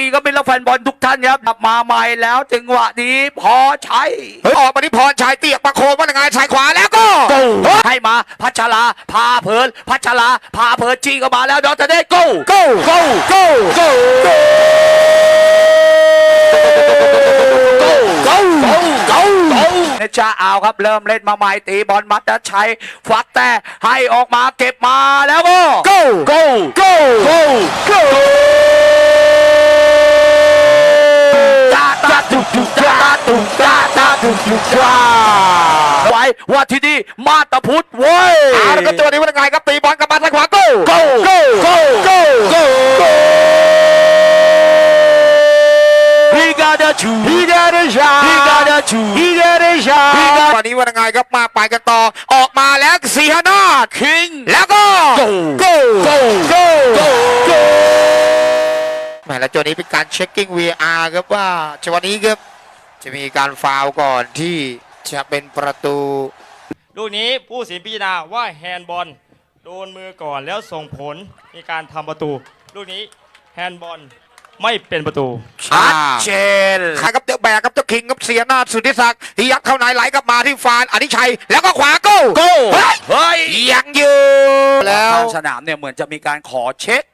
ดีก็เป็นแฟนบอลทุกท่านครับกลับมาใหม่แล้วจังหวะนี้พอใช้ออกมาที่พรชัยเตียกประโคมว่ายังไงสายขวาแล้วก็ให้มาพัชราพาเพลินพัชราพาเพลินจี้ก็มาแล้วดอทเดโก้จะเอาครับเริ่มเล่นมาใหม่ตีบอลมัดจะใช้ฟักแต่ให้ออกมาเก็บมาแล้วก็ไว้ว่าที่นี่มาตาพุทธเว้ยแล้วก็ตัวนี้ว่ายังไงครับตีบอลกลับมาทางขวาวันนี้ว่ายังไงครับมาไปกันต่อออกมาแล้วสีหนาคิงแล้วก็แหมแล้วตัวนี้เป็นการเช็คกิ้ง VR ครับว่าจังหวะนี้ครับจะมีการฟาวล์ก่อนที่จะเป็นประตูลูกนี้ผู้ตัดสินพิจารณาว่าแฮนด์บอลโดนมือก่อนแล้วส่งผลในการทำประตูลูกนี้แฮนด์บอลไม่เป็นประตูชัดเจนใครครับเจ้าแบกครับเจ้าคิงครับเสียหน้าสุทธิศักดิ์ที่ยัดเข้าในไหลกลับมาที่ฟานอธิชัยแล้วก็ขวาโก้เฮ้ยยังอยู่แล้วสนามเนี่ยเหมือนจะมีการขอเช็ค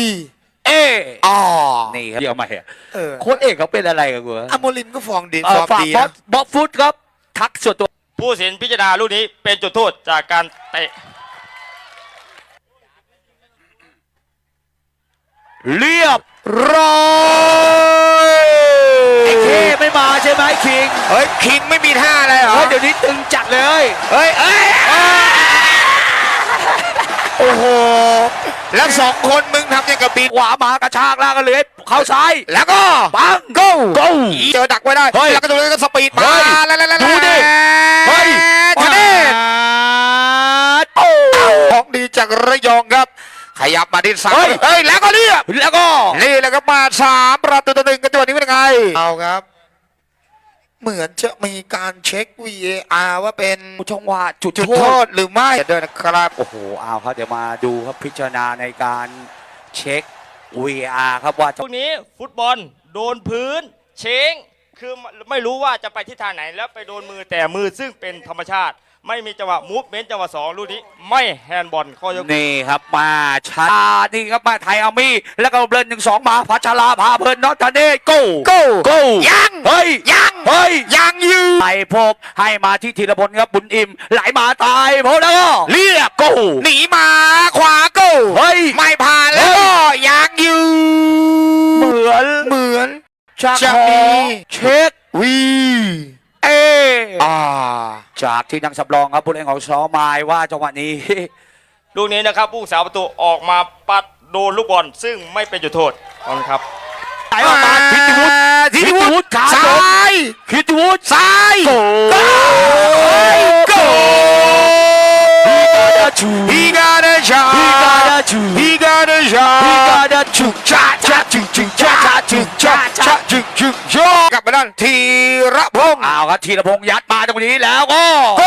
นี่ครับเดี๋ยวมาเหรอโค้ชเอกเขาเป็นอะไรกันกูอโมลินก็ฟองดีบอสฟุตครับทักส่วนตัวผู้ตัดสินพิจารณาลูกนี้เป็นจุดโทษจากการเตะเรียบร้อยไอ้เคไม่มาใช่ไหมคิงคิงไม่มีท่าอะไรเหรอเดี๋ยวนี้ตึงจัดเลยโอ้โหแล้วสองคนมึงทำยังกับปีขวามากระชากล่างกันเลยเข้าซ้ายแล้วก็ปังโก้เจอดักไว้ได้แล้วก็ตรงนี้ก็สปีดมาแล้วดูดิของดีจากระยองครับขยับมาที่ซ้ายแล้วก็เรียบแล้วก็นี่แล้วก็มา3 ประตูต่อ 1กันจังหวะนี้เป็นยังไงเอาครับเหมือนจะมีการเช็ค VAR ว่าเป็นจังหวะจุดโทษหรือไม่เดินนะครับโอ้โหเอาครับเดี๋ยวมาดูครับพิจารณาในการเช็ค VAR ครับว่าช่วงนี้ฟุตบอลโดนพื้นเช้งคือไม่รู้ว่าจะไปทิศทางไหนแล้วไปโดนมือแต่มือซึ่งเป็นธรรมชาติไม่มีจังหวะมูฟเมนต์จังหวะ2ลูกนี้ไม่แฮนด์บอลข้อยกนี่ครับมาชานี่ครับมาไทยอามี่แล้วก็เบิร์น1-2มาพัชราพาเบิร์นน็อตทันเดโก้ยังยังอยู่ไปพบให้มาที่ธีรพลครับบุญอิ่มไหลมาตายพบแล้วก็เรียบโก้หนีมาขวาโก้ไม่ผ่านแล้วก็ยังอยู่เหมือนจะมีเช็คจากที่นักสำรองครับผู้เล่นของซอมายว่าจังหวะนี้ลูกนี้นะครับผู้สาวประตูออกมาปัดโดนลูกบอลซึ่งไม่เป็นจุดโทษครับไหลออกมาทิติวุฒิขาซ้ายทิติวุฒิซ้ายโก้ He got a shot He got a shot กลับมาด้านธีรพงษ์เอาครับธีรพงษ์ยัดมาตรงนี้แล้วก็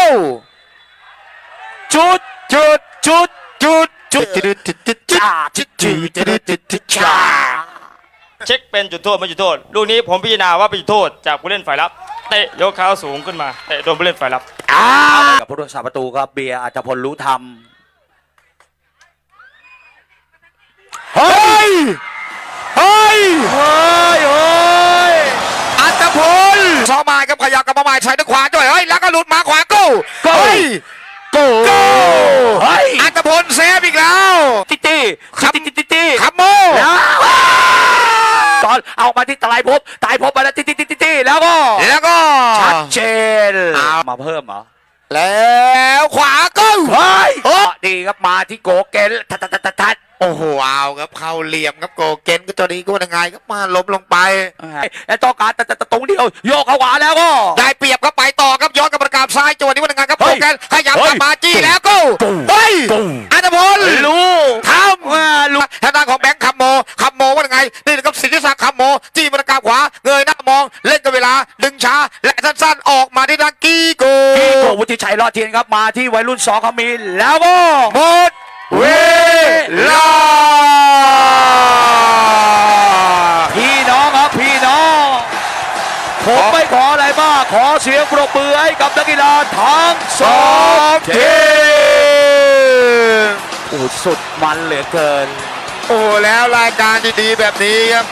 จุดเช็คเป็นจุดโทษไม่จุดโทษลูกนี้ผมพิจารณาว่าเป็นจุดโทษจากผู้เล่นฝ่ายรับเตะยกเท้าสูงขึ้นมาเตะโดนผู้เล่นฝ่ายรับกับผู้รักษาประตูครับเบียร์อัจพลรู้ธรรมเฮ้ยอัตพลซอมายกับขยับกับมาใหม่ใช้ด้วยขวาด้วยแล้วก็หลุดมาขวาโก้อัตพลเซฟอีกแล้วตีขับโมตอนเอามาที่ตายพบมาแล้วตีแล้วก็ชัดเจนมาเพิ่มเหรอแล้วขวาโก้ดีครับมาที่โกเกนทัดโอ้โหเอาครับเข้าเหลี่ยมครับโกเกนก็ตัวนี้ก็ยังไงก็มาล้มลงไปแล้วต้องการแต่ตรงเดียวโยกเข้าขวาแล้วก็ได้เปรียบก็ไปต่อครับย้อนกับประกาศซ้ายจังหวะนี้ว่ายังไงครับโกเกนขยับมาจี้แล้วก็อัตพลทำทางด้านของแบงค์คัมโมว่ายังไงนี่นะครับสิทธิศักดิ์คัมโมจี้ประกาศขวาเงยหน้ามองเล่นกับเวลาดึงช้าและสั้นๆออกมาที่ทางกี้โกวุฒิชัยรอดเทียนครับมาที่วัยรุ่น2เขามีแล้วก็หมดเวลาพี่น้ผมไม่ขออะไรมากขอเสียงปรบมือให้กับนักกีฬาทั้งสองทีมโอ้สุดมันเหลือเกินโอ้แล้วรายการดีๆแบบนี้ครับ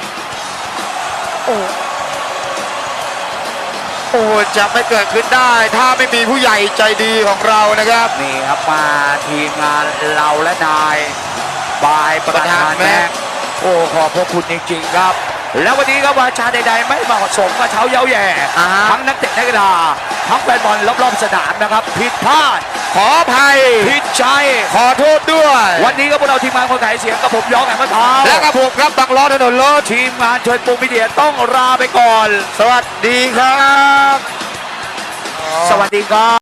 โอ้จะไม่เกิดขึ้นได้ถ้าไม่มีผู้ใหญ่ใจดีของเรานะครับนี่ครับมาทีมงานเราและนายบายประธานแม็กโอ้ขอบพระคุณจริงๆครับ แล้ววันนี้ครับวาจาใดๆไม่เหมาะสมกับเช้าเย้าแย่ทั้งนักเตะนักกีฬาทั้งแฟนบอลรอบๆสนามนะครับผิดพลาดขออภัยผิดใจขอโทษด้วยวันนี้ก็พวกเราทีมงานคนขายเสียงกับผมย้องแห่งมะพร้าวและกับผมครับบังล้อถนนรถทีมงานเชิญปูมิเดียต้องลาไปก่อนสวัสดีครับสวัสดีครับ